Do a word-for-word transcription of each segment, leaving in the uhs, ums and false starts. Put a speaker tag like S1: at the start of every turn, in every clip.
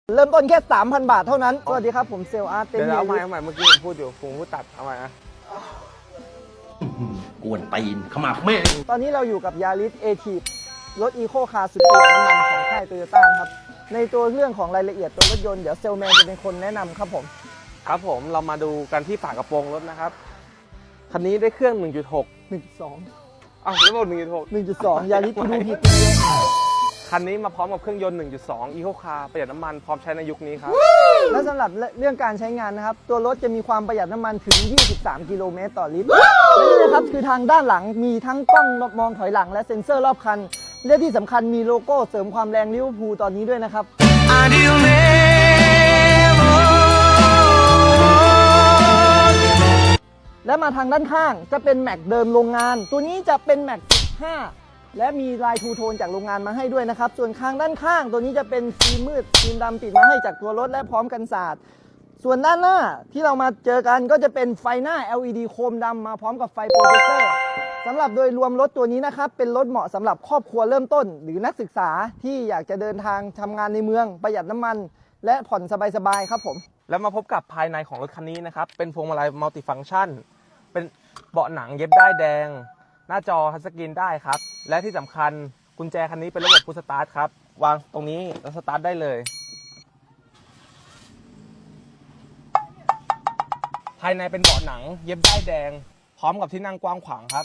S1: เริ่มต้นแค่ สามพัน บาทเท่านั้น สวัสดีครับผมเซลล์อาร์ตเต็ม
S2: เดี๋ยว
S1: เฮีย
S2: เอาใหม่เอาใหม่เมื่อกี้ผมพูดอยู่ผมพูดตัดเอาใหม่นะ
S3: กวนตีนขมับแม่ง
S1: ตอนนี้เราอยู่กับยาริสเอทีรถอีโคคาร์สุดประหยัดน้ำมันของค่ายโตโยต้าครับในตัวเรื่องของรายละเอียดตัวรถยนต์เดี๋ยวเซลแมนจะเป็นคนแนะนำครับผม
S2: ครับผมเรามาดูกันที่ฝากระโปรงรถนะครับคันนี้ได้เครื่อง หนึ่งจุดหก
S1: หนึ่งจุดสอง
S2: อ้าวแล้วบอก หนึ่งจุดหก
S1: หนึ่งจุดสอง ยาริสกูดูผิด
S2: คันนี้มาพร้อมกับเครื่องยนต์ หนึ่งจุดสอง Eco Car ประหยัดน้ำมันพร้อมใช้ในยุคนี้ครับ
S1: และสำหรับเรื่องการใช้งานนะครับตัวรถจะมีความประหยัดน้ำมันถึง ยี่สิบสาม กิโลเมตรต่อลิตรและนี่นะครับคือทางด้านหลังมีทั้งกล้องมองถอยหลังและเซ็นเซอร์รอบคันและที่สำคัญมีโลโก้เสริมความแรงลิเวอร์พูลตอนนี้ด้วยนะครับและมาทางด้านข้างจะเป็นแม็กเดิมโรงงานตัวนี้จะเป็นแม็กสิบห้าและมีลายทูโทนจากโรงงานมาให้ด้วยนะครับส่วนข้างด้านข้างตัวนี้จะเป็นฟิล์มมืดฟิล์มดำติดมาให้จากตัวรถและพร้อมกันสาดส่วนด้านหน้าที่เรามาเจอกันก็จะเป็นไฟหน้า แอล อี ดี โคมดำมาพร้อมกับไฟโปรเจคเตอร์สำหรับโดยรวมรถตัวนี้นะครับเป็นรถเหมาะสำหรับครอบครัวเริ่มต้น หรือนักศึกษาที่อยากจะเดินทางทำงานในเมืองประหยัดน้ำมัน และผ่อนสบายๆครับผม
S2: แล้วมาพบกับภายในของรถคันนี้นะครับเป็นพวงมาลัยมัลติฟังก์ชันเป็นเบาะหนังเย็บได้ายแดง หน้าจอทัชสกรีนได้ครับและที่สำคัญกุญแจคันนี้เป็นระบบพุชสตาร์ทครับวางตรงนี้แล้วสตาร์ทได้เลยภายในเป็นเบาะหนังเย็บได้ายแดง พร้อมกับที่นั่งกว้างขวางครับ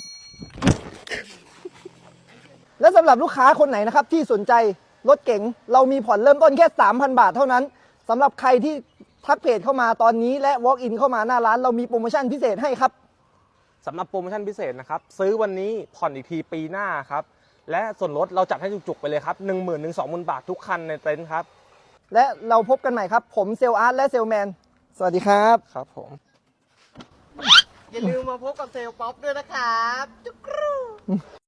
S1: และสำหรับลูกค้าคนไหนนะครับที่สนใจรถเก๋งเรามีผ่อนเริ่มต้นแค่ สามพัน บาทเท่านั้นสำหรับใครที่ทักเพจเข้ามาตอนนี้และ walk in เข้ามาหน้าร้านเรามีโปรโมชั่นพิเศษให้ครับ
S2: สำหรับโปรโมชั่นพิเศษนะครับซื้อวันนี้ผ่อนอีกทีปีหน้าครับและส่วนลดเราจัดให้จุกๆไปเลยครับ หนึ่งหมื่น ถึง สองหมื่น บาททุกคันในเต็นท์ครับ
S1: และเราพบกันใหม่ครับผมเซลอาร์ตและเซลแมนสวัสดีครับ
S2: ครับผม
S1: อย่าลืมมาพบกับเซลป๊อปด้วยนะครับจุกรู